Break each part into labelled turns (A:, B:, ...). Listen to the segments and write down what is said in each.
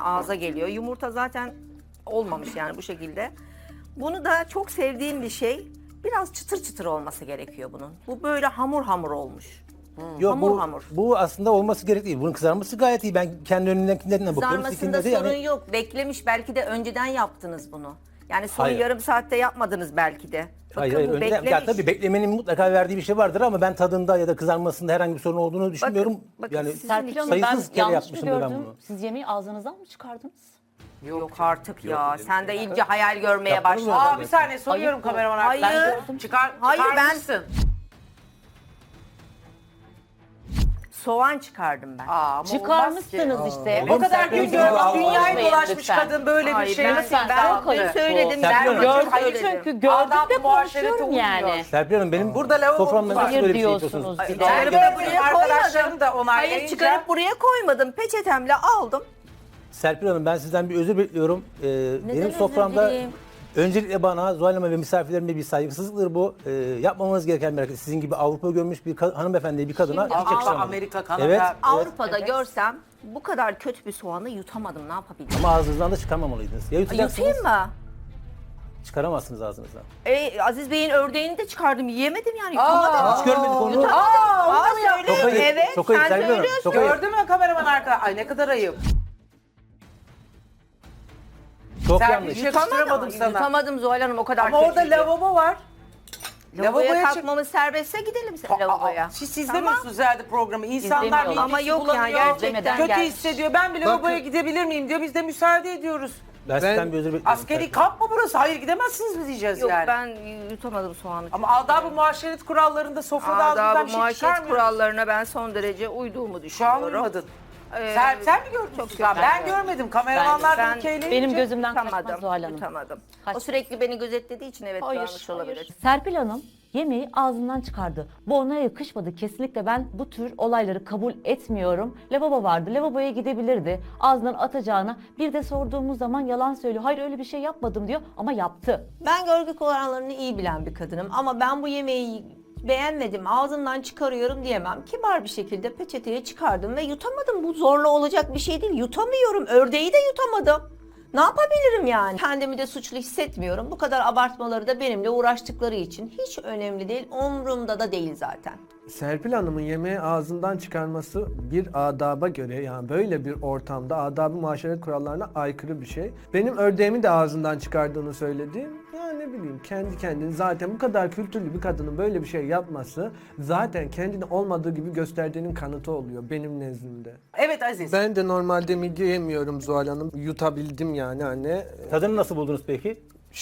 A: ağza geliyor. Yumurta zaten olmamış yani bu şekilde. Bunu da çok sevdiğim bir şey. Biraz çıtır çıtır olması gerekiyor bunun. Bu böyle hamur hamur olmuş.
B: Yok
A: Hamur hamur.
B: bu aslında olması gerek değil. Bunun kızarması gayet iyi. Ben kendi önümdekinden bakıyorum.
A: Kızarmasında
B: Sizinkinde de
A: sorun
B: yani
A: yok. Beklemiş, belki de önceden yaptınız bunu. Yani son
B: Hayır.
A: yarım saatte yapmadınız belki de. Bakın
B: hayır,
A: bu
B: önceden,
A: beklemiş.
B: ya tabii beklemenin mutlaka verdiği bir şey vardır ama ben tadında ya da kızarmasında herhangi bir sorun olduğunu düşünmüyorum.
A: bakın
B: yani
A: sizin
C: Serpil Hanım ben
B: sayısız kere
C: yanlış mı
B: yapmışımdır ben
C: gördüm?
B: bunu.
C: Siz yemeği ağzınızdan mı çıkardınız?
A: Yok artık ya. Sen de iyice hayal görmeye
B: Yaptınız mı?
A: başladın.
D: Aa bir saniye soruyorum
C: Ayıp bu.
D: kameraman
A: Hayır.
D: arkadaşlar.
A: Hayır, ben-
D: Çıkarmışsın.
A: Soğan çıkardım ben.
D: Aa, ama olmaz ki.
C: Çıkarmışsınız işte.
D: O kadar
B: Serpil
D: gün
B: Hanım,
D: görmüş, dünyayı
C: Lütfen.
D: dolaşmış kadın böyle bir
A: Hayır,
D: şey.
A: ben,
D: Nasıl
A: ben,
D: ben
A: dün söyledim.
B: Serpil Hanım.
C: Gördüm
A: söyledim.
C: çünkü gördüm
D: Adab
C: de
D: muaşerete
C: konuşuyorum
D: uymuyor.
C: yani.
B: Serpil Hanım benim
D: Burada lavabo
B: soframda
D: var.
B: nasıl böyle bir şey
C: Diyorsunuz
B: yapıyorsunuz?
C: bir de.
D: Çıkarıp
A: Çıkarıp
D: benim
A: buraya
D: arkadaşlarım da
A: koymadım. Hayır,
D: onaylayınca.
A: çıkarıp buraya koymadım. Peçetemle aldım.
B: Serpil Hanım ben sizden bir özür bekliyorum. Benim
A: özür
B: soframda
A: dileyim?
B: öncelikle bana, Zuhal Hanım'a ve misafirlerime bir saygısızlıktır bu. Yapmamanız gereken bir hareket. Sizin gibi Avrupa görmüş bir hanımefendiye, bir kadına
A: Şimdi
B: hiç
D: Avrupa,
B: yakışamaz.
D: Amerika, Kanada.
B: Evet.
A: Avrupa'da görsem bu kadar kötü bir soğanı yutamadım. Ne yapabilirim?
B: Ama ağzınızdan da çıkarmamalıydınız. Ya yutacaksınız,
A: Yutayım mı?
B: çıkaramazsınız ağzınızdan.
A: Aziz Bey'in ördeğini de çıkardım. Yiyemedim yani. Yutamadım.
B: Hiç görmedik onu.
D: Aa, onu da mı yaptın?
B: Çok ayıp,
A: Evet,
B: çok ayıp
A: sen
B: Serpil Hanım,
A: söylüyorsun.
B: çok ayıp.
D: Gördün mü kameraman arkadaş? Ay ne kadar ayıp.
B: Çok
D: Serpil
B: yanlış.
D: hiç yakıştıramadım sana.
A: Yutamadım Zuhal Hanım, o kadar
D: Ama orada
A: kötüydü.
D: lavabo var.
A: Lavaboya
D: Lavaboya çık-
A: kalkmamız serbestse gidelim lavaboya.
D: Siz izlemiyorsunuz herhalde programı. İnsanlar
C: İzlemiyorlar.
D: midesi
A: Ama yok
D: bulanıyor,
A: yani gerçekten.
C: İzlemeden
D: kötü
C: gelmiş.
D: hissediyor. Ben bir lavaboya gidebilir miyim diyor. Biz de müsaade ediyoruz.
B: Ben sizden bir özür bekliyorum.
D: Askeri
B: Serpil
D: kamp mı burası? Hayır gidemezsiniz mi diyeceğiz
A: Yok,
D: yani.
A: ben yutamadım soğanı.
D: Ama adab-ı muaşeret kurallarında sofrada ağzından
A: Adab-ı
D: bir şey
A: muaşeret
D: çıkarmıyor.
A: kurallarına ben son derece uyduğumu
D: Şu an
A: düşünüyorum.
D: uymadın.
A: Ee,
D: Sen mi gördün?
A: çok
D: Ben,
A: kötü.
D: görmedim. Kameramanlar
A: Ben-
D: bir keyleyince.
C: Benim gözümden kaçmaz
A: Yutamadım.
C: Zuhal Hanım.
A: Yutamadım. O
C: Kaçmaz.
A: sürekli beni gözetlediği için evet
C: Hayır,
A: görmüş olabilir.
C: hayır. Serpil Hanım yemeği ağzından çıkardı. Bu ona yakışmadı. Kesinlikle ben bu tür olayları kabul etmiyorum. Lavabo vardı. Lavaboya gidebilirdi. Ağzından atacağına. Bir de sorduğumuz zaman yalan söylüyor. Hayır öyle bir şey yapmadım diyor ama yaptı.
E: Ben görgü kurallarını iyi bilen bir kadınım ama ben bu yemeği beğenmedim, ağzımdan çıkarıyorum diyemem. Kibar bir şekilde peçeteye çıkardım ve yutamadım. Bu zorla olacak bir şey değil. Yutamıyorum. Ördeği de yutamadım. Ne yapabilirim yani? Kendimi de suçlu hissetmiyorum. Bu kadar abartmaları da benimle uğraştıkları için hiç önemli değil. Umrumda da değil zaten.
F: Serpil Hanım'ın yemeği ağzından çıkarması bir adaba göre, yani böyle bir ortamda adab-ı muaşeret kurallarına aykırı bir şey. Benim ördeğimi de ağzından çıkardığını söyledi. Ya ne bileyim, kendi kendini zaten bu kadar kültürlü bir kadının böyle bir şey yapması zaten kendini olmadığı gibi gösterdiğinin kanıtı oluyor benim nezdimde.
D: Evet Aziz.
F: Ben de normalde midye yemiyorum Zuhal Hanım. Yutabildim yani anne.
B: Tadını nasıl buldunuz peki?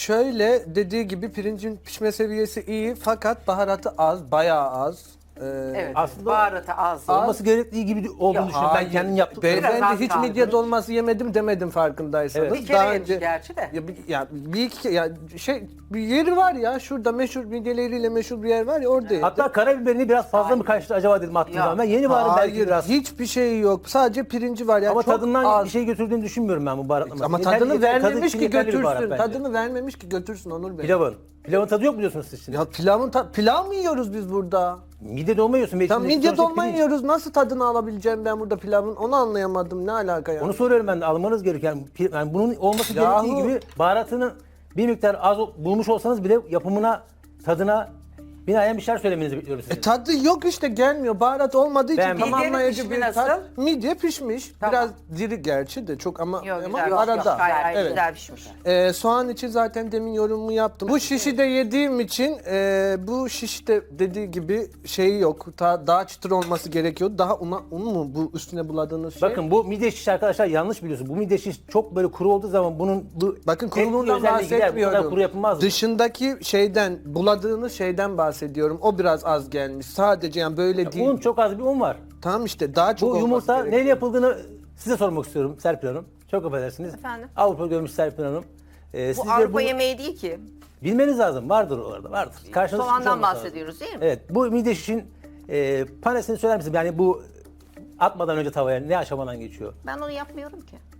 F: Şöyle dediği gibi pirincin pişme seviyesi iyi fakat baharatı az, bayağı az.
D: Evet.
B: Aslında-
D: Baharatı az.
B: Olması gerektiği gibi olduğunu düşünüyorum. Ben kendim yaptım.
D: Biraz az
F: Beyefendi hiç
D: kaldı.
F: midye dolması yemedim demedim farkındaysanız.
B: Evet.
D: Bir kere yemiş gerçi de.
F: Bir iki kere ya bir yeri var ya şurada meşhur midyeleriyle meşhur bir yer var ya orada.
B: Hatta karabiberini biraz fazla mı kaçtı acaba dedim attığım
D: Ya.
B: zaman. Ben yeni baharım belki
F: Hayır,
B: biraz.
F: hiçbir şey yok. Sadece pirinci var yani
B: Ama
F: çok
B: tadından
F: az.
B: bir şey götürdüğünü düşünmüyorum ben bu baharatlaması.
F: Ama
B: Yeterli-
F: tadını
B: tadı
F: vermemiş
B: için
F: ki
B: yeterli bir baharat
F: götürsün.
B: bence.
F: Tadını vermemiş ki götürsün Onur Bey.
B: Pilavın. Pilavın tadı yok mu diyorsunuz siz şimdi?
F: Ya pilav mı yiyoruz biz burada?
B: Midye dolma yiyorsun. ve
F: Tam
B: içindeki
F: midye
B: sonuçta
F: dolma
B: pirinç.
F: yiyoruz. Nasıl tadını alabileceğim ben burada pilavın? Onu anlayamadım. Ne alaka ya?
B: Onu soruyorum ben de, almanız gereken. Yani bunun olması
F: Yahu.
B: gerektiği gibi baharatını bir miktar az bulmuş olsanız bile yapımına, tadına binaen bir şeyler söylemenizi bekliyorum sizin.
F: Tadı yok işte, gelmiyor. Baharat olmadığı için
B: Ben-
F: tamamlayıcı
D: Midyenin
F: bir
D: pişimi
F: tat.
D: nasıl?
F: Midye pişmiş.
D: Tamam.
F: Biraz diri gerçi de çok ama
A: Yok,
F: ama
A: güzel, yok,
F: arada.
A: yok, gayet
F: Evet.
A: güzel pişmiş.
F: Soğan için zaten demin yorumumu yaptım. Bu şişi de yediğim için bu şişte dediği gibi şeyi yok. Daha çıtır olması gerekiyor. Daha un mu bu üstüne buladığınız şey?
B: Bakın bu midye şiş arkadaşlar yanlış biliyorsun. Bu midye şiş çok böyle kuru olduğu zaman bunun bu
F: Bakın
B: teknik
F: kuruluğundan
B: özelliği gider. Bu
F: bahsetmiyorum.
B: kadar kuru yapılmaz.
F: Dışındaki şeyden, buladığınız şeyden bahsediyorum. O biraz az gelmiş. Sadece yani böyle değil.
B: Un, çok az bir un var.
F: Tamam işte daha çok
B: Bu
F: olması
B: yumurta
F: gerekiyor.
B: neyle yapıldığını size sormak istiyorum Serpil Hanım. Çok affedersiniz.
A: Efendim?
B: Avrupa görmüş Serpil Hanım.
A: Bu
B: Sizce
A: Avrupa yemeği değil ki.
B: bilmeniz lazım. Vardır orada, vardır. Karşınızda çıkmış
A: Soğandan
B: olması lazım.
A: bahsediyoruz değil mi?
B: Evet. Bu midye şişin panesini söyler misiniz? Yani bu atmadan önce tavaya ne aşamadan geçiyor?
A: Ben onu yapmıyorum ki.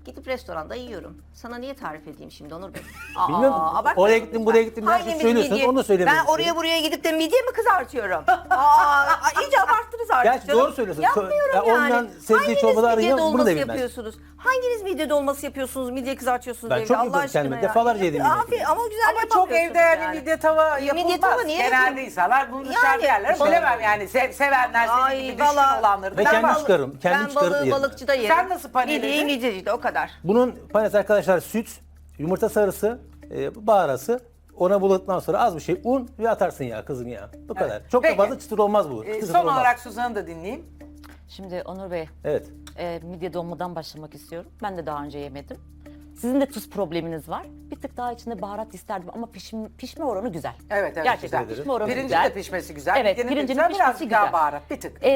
E: Gidip restoranda yiyorum. Sana niye tarif edeyim şimdi Onur Bey?
B: Bilmiyorum.
E: abartma.
B: Oraya gittim, buraya gittim. Her şeyi
E: Hangimiz
B: söylüyorsunuz.
E: midye-
B: Onu da söylemek
E: Ben oraya buraya gidip de midye mi kızartıyorum? iyice abarttınız artık
B: Gerçi
E: canım.
B: doğru söylüyorsun.
E: Yapmıyorum
B: Ya
E: yani.
B: ondan sevdiği
E: Hanginiz
B: çorbaları
E: midye
B: arayacağım, bunu da
E: dolması
B: bilmez.
E: yapıyorsunuz? Hanginiz midye dolması yapıyorsunuz, midye kızartıyorsunuz
B: Ben
E: evde
B: çok
E: Allah
B: yapıyorum
E: aşkına
B: kendime.
E: ya?
B: Defalarca yedim
E: Abi
B: midye.
E: ama güzel
D: Ama çok
E: yapamıyorsunuz
D: evde yani
E: yani.
D: midye tava yapılmaz.
E: tava niye
D: Genelde
E: yapayım?
D: insanlar bunu
E: Yani,
D: dışarıda yerler.
E: balık-
D: Bilemem yani sevenler senin
E: Ay,
D: gibi düşkün
E: valla
D: olanları.
B: Ve
D: Ben
B: kendim
D: balık-
B: çıkarım. Kendim
E: Ben
B: çıkarıp
E: balığı
B: yerim.
E: balıkçıda yerim.
D: Sen nasıl paneledin?
E: Midye midyecide o kadar.
B: Bunun panesi arkadaşlar süt, yumurta sarısı, baharası. Ona buladıktan sonra az bir şey un ve atarsın ya kızım ya. Bu kadar. Çok
D: Peki.
B: da fazla çıtır olmaz bu. Çıtır
D: Son
B: olmaz.
D: olarak Suzan'ı da dinleyeyim.
C: Şimdi Onur Bey,
B: Evet.
C: midye dolmadan başlamak istiyorum. Ben de daha önce yemedim. Sizin de tuz probleminiz var. Bir tık daha içinde baharat isterdim ama pişme oranı güzel.
D: Evet
C: Gerçekten
D: güzel.
C: pişme oranı
D: Pirincin
C: güzel.
D: de pişmesi güzel.
C: Evet,
D: midyenin de
C: pirincin
D: güzel,
C: pişmesi
D: birazcık daha
C: güzel.
D: baharat bir tık.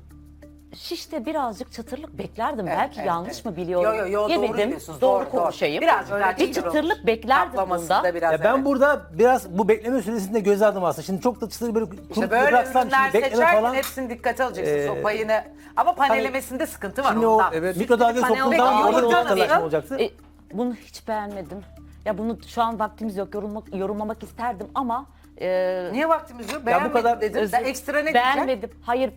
C: Şişte birazcık çıtırlık beklerdim.
D: Evet,
C: Belki
D: evet,
C: yanlış
D: evet.
C: mı biliyorum?
D: Yo, doğru
C: Yemedim.
D: diyorsunuz,
C: Doğru
D: doğru.
C: konuşayım.
D: Birazcık daha
C: bir
D: çıtır
C: çıtırlık
D: olmuş.
C: beklerdim
D: Kaplaması
C: bunda.
D: da biraz
B: Ya ben
D: evet.
B: burada biraz bu bekleme süresinde göze aldım aslında. Şimdi çok da çıtır böyle
D: İşte
B: kurup
D: böyle
B: bıraksam
D: ürünler
B: şimdi bekleme
D: seçerken
B: falan.
D: hepsini dikkate alacaksınız o payını. Ama panelemesinde sıkıntı var
B: Şimdi o
D: ondan.
F: Evet.
B: mikrodalgaya
E: Peki,
B: soktuğum
E: peki,
B: zaman orada
D: yumurta
B: o çıtırlaşma
D: nasıl?
B: olacaktı.
C: Bunu hiç beğenmedim. Ya bunu şu an vaktimiz yok. Yorumlamak isterdim ama
D: Niye vaktimiz yok?
B: bu
D: Beğenmedim
B: kadar-
D: dedim. Sen ekstra ne diyeceksin?
C: beğenmedim. Hayır.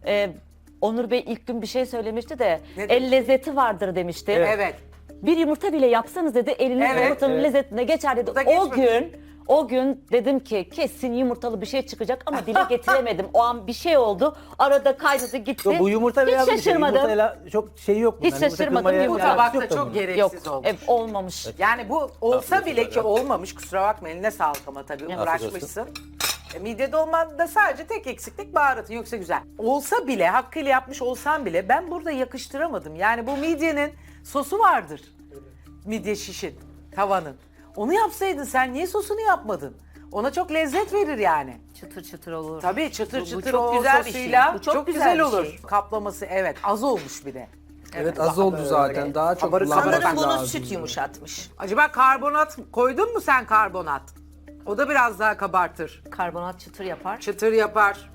C: Onur Bey ilk gün bir şey söylemişti de
D: Ne
C: el
D: demişti?
C: lezzeti vardır demişti.
D: Evet.
C: Bir yumurta bile yapsanız dedi eliniz
D: Evet,
C: yumurtanın
B: evet.
C: lezzetine geçer dedi.
D: Bu da geçmemiş.
C: O gün dedim ki kesin yumurtalı bir şey çıkacak ama dile getiremedim. O an bir şey oldu. Arada kaynadı gitti.
B: Yo, bu yumurta
C: Hiç
B: beyaz bir şey.
C: şaşırmadım.
B: Yumurtayla çok şey yok.
C: Hiç
B: bundan. Yumurta
C: şaşırmadım.
B: kırmaya
C: Bu
D: Bu
B: alakası
D: tabakta
B: yok da
D: çok
B: bunun.
D: gereksiz
C: Yok,
D: olmuş.
C: olmamış.
D: Yani bu olsa
B: Afiyet
D: bile
B: olsun
D: ki
B: efendim.
D: olmamış, kusura bakma eline sağlık ama tabii
C: Afiyet
D: uğraşmışsın. Midye dolmada sadece tek eksiklik baharatın, yoksa güzel. Olsa bile, hakkıyla yapmış olsan bile ben burada yakıştıramadım. Yani bu midyenin sosu vardır. Midye şişin, tavanın. Onu yapsaydın sen niye sosunu yapmadın? Ona çok lezzet verir yani.
E: Çıtır çıtır olur.
D: Tabii çıtır
E: Bu
D: çıtır
E: çok
D: o
E: güzel bir şey.
D: sosuyla
E: Bu çok
D: çok
E: güzel
D: güzel
E: bir
D: olur.
E: şey.
D: Kaplaması evet az olmuş bir de.
F: Evet az oldu zaten. Daha çok
D: Kabarık
F: kullanmak
E: Sanırım bunu
F: lazım.
E: süt yumuşatmış.
D: Acaba karbonat koydun mu sen karbonat? O da biraz daha kabartır.
E: Karbonat çıtır yapar.
D: Çıtır yapar.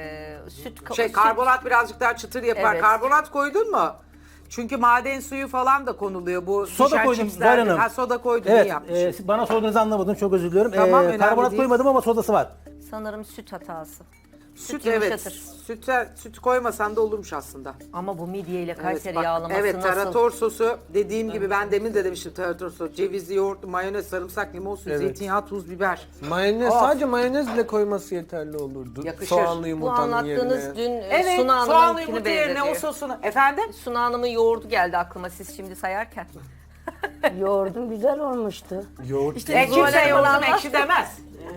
E: Süt
D: Karbonat birazcık daha çıtır yapar.
E: Evet.
D: Karbonat koydun mu? Çünkü maden suyu falan da konuluyor bu
B: Soda
D: düşen
B: koydum
D: çipslerde.
B: Zahra Hanım.
D: Ha soda koydun
B: Evet,
D: iyi yapmışsın.
B: bana sorduğunuzu anlamadım. Çok özür diliyorum.
D: Tamam, önemli
B: Karbonat
D: değil.
B: koymadım ama sodası var.
E: Sanırım süt hatası.
D: süt
E: yumuşatır.
D: Süt koymasan da olurmuş aslında.
E: Ama bu midye ile Kayseri
D: bak,
E: yağlaması
D: evet,
E: nasıl?
D: tarator sosu dediğim gibi ben demin de demiştim tarator sosu. Cevizli yoğurt, mayonez, sarımsak, limon suyu,
F: Evet.
D: zeytinyağı, tuz, biber.
F: Mayonez
D: Of.
F: sadece mayonez bile koyması yeterli olurdu.
D: Yakışır.
F: Soğanlı
E: Bu
F: yumurtanın
E: anlattığınız
F: yerine.
E: dün
D: Evet,
E: Suna
D: soğanlı
E: Hanım'ınkini
D: yumurta yerine o
E: benzetiyor.
D: sosunu. Efendim?
E: Suna Hanım'ın yoğurdu geldi aklıma siz şimdi sayarken.
G: Yoğurdum güzel olmuştu.
F: Yoğurt.
E: İşte
D: Kimse
E: Zuhal
D: yoğurdum
E: Hanım
D: ekşi demez.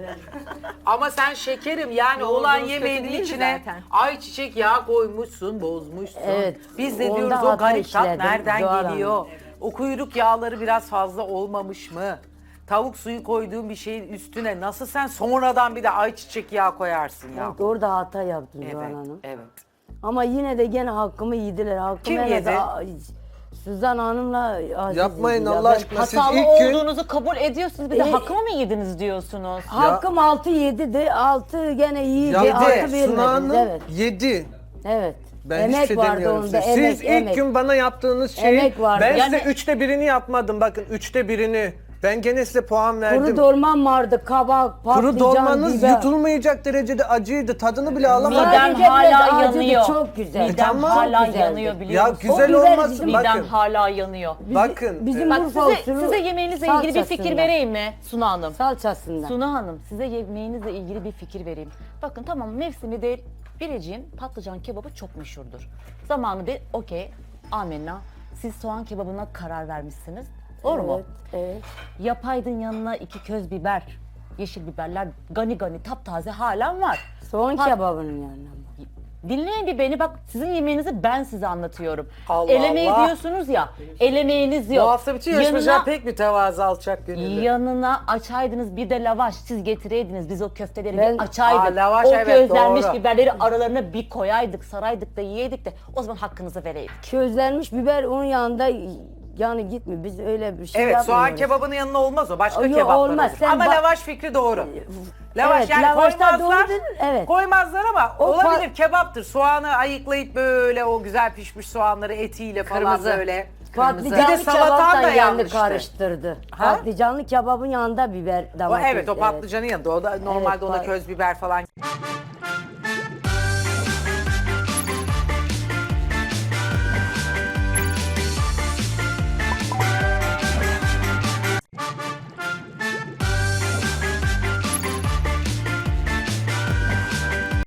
D: Ama sen şekerim yani
E: Yoğurdumuz
D: olan
E: kötü
D: yemeğinin
E: değildi
D: içine
E: zaten.
D: ayçiçek yağı koymuşsun, bozmuşsun.
G: Evet,
D: Biz de
G: onda
D: diyoruz o
G: hata
D: garip tat
G: işledim,
D: nereden
G: Zuhal Hanım.
D: geliyor? O kuyruk yağları biraz fazla olmamış mı? Tavuk suyu koyduğun bir şeyin üstüne nasıl sen sonradan bir de ayçiçek yağı koyarsın ya?
G: Evet, orada hata yaptım Zuhal
D: Evet,
G: Hanım.
D: evet.
G: Ama yine de gene hakkımı yediler. Hakkımı
D: Kim
G: en
D: yedi?
G: Suzan Hanım'la Aziz
F: Yapmayın
G: yedi ya.
F: Allah
G: Ben-
F: aşkına. Siz
C: Hatalı
F: ilk gün
C: olduğunuzu kabul ediyorsunuz. Bir de hakkımı mı yediniz diyorsunuz?
G: Hakkım 6-7 de 6 gene iyiydi. 6
F: yaptı.
G: vermediniz.
F: Suna Hanım
G: Evet.
F: yedi.
G: Evet.
F: Ben
G: emek
F: hiç şey
G: vardı
F: demiyorum
G: onda.
F: size.
G: Emek,
F: Siz ilk
G: emek.
F: gün bana yaptığınız şeyi
G: Emek vardı.
F: ben
C: Yani-
F: size 3'te 1'ini yapmadım. Bakın 3'te 1'ini. Ben gene size puan verdim.
G: Kuru dolmam vardı. Kabak, patlıcan,
F: Kuru dolmanız
G: biber.
F: yutulmayacak derecede acıydı. Tadını bile alamadım.
C: Midem
G: Sadece biraz
C: hala
G: acıdı,
C: yanıyor.
G: çok güzel.
C: Midem
F: Tamam.
C: hala
G: Çok güzeldi.
C: yanıyor biliyor
F: Ya
C: musun?
F: güzel
G: O biber
F: olmasın
G: bizim-
C: Midem
F: bakın.
C: hala yanıyor.
F: Bakın.
G: Bizim
C: Bak
G: Urfa usulü
C: size yemeğinizle ilgili bir fikir
G: salçasından.
C: vereyim mi Suna Hanım?
G: Salçasından.
C: Suna Hanım size yemeğinizle ilgili bir fikir vereyim. Bakın tamam mevsimi değil. Biricik'in patlıcan kebabı çok meşhurdur. Zamanı değil okey amenna. Siz soğan kebabına karar vermişsiniz. Doğru mu?
G: Evet.
C: Yapaydın yanına 2 köz biber, yeşil biberler gani gani taptaze halen var.
G: Soğan
C: Pat-
G: kebabının yanına.
C: Dinleyin bir beni bak sizin yemeğinizi ben size anlatıyorum.
D: Allah
C: Elemeği
D: Allah.
C: diyorsunuz ya, elemeğiniz yok.
D: Bu hafta bütün yarışmacılar pek mütevazı alçak gönüllü.
C: Yanına açaydınız bir de lavaş siz getireydiniz biz o köfteleri
G: Ben-
C: bir açaydık.
D: Aa, lavaş,
C: o
D: evet,
C: közlenmiş
D: doğru.
C: biberleri aralarına bir koyaydık saraydık da yiyeydik de o zaman hakkınızı vereydik.
G: Közlenmiş biber onun yanında yani gitmiyor. Biz öyle bir şey
D: Evet, soğan
G: yapmıyoruz.
D: kebabının yanına olmaz o. Başka
G: Yok,
D: kebaplar
G: olmaz.
D: olur.
G: Sen
D: Ama
G: bak-
D: lavaş fikri doğru. Lavaş
G: Evet,
D: yani
G: lavaşta
D: koymazlar.
G: doğru dedin, evet.
D: Koymazlar ama
G: O
D: olabilir kebaptır. Soğanı ayıklayıp böyle o güzel pişmiş soğanları etiyle falan
E: Kırmızı.
D: böyle.
G: Patlıcanlı
D: Bir de salatan da
G: kebaptan yandı
D: yanmıştı.
G: karıştırdı.
D: Ha?
G: Patlıcanlı kebabın yanında biber
D: O,
G: domates.
D: evet o patlıcanın yanında. O da normalde ona
G: pat-
D: köz biber falan.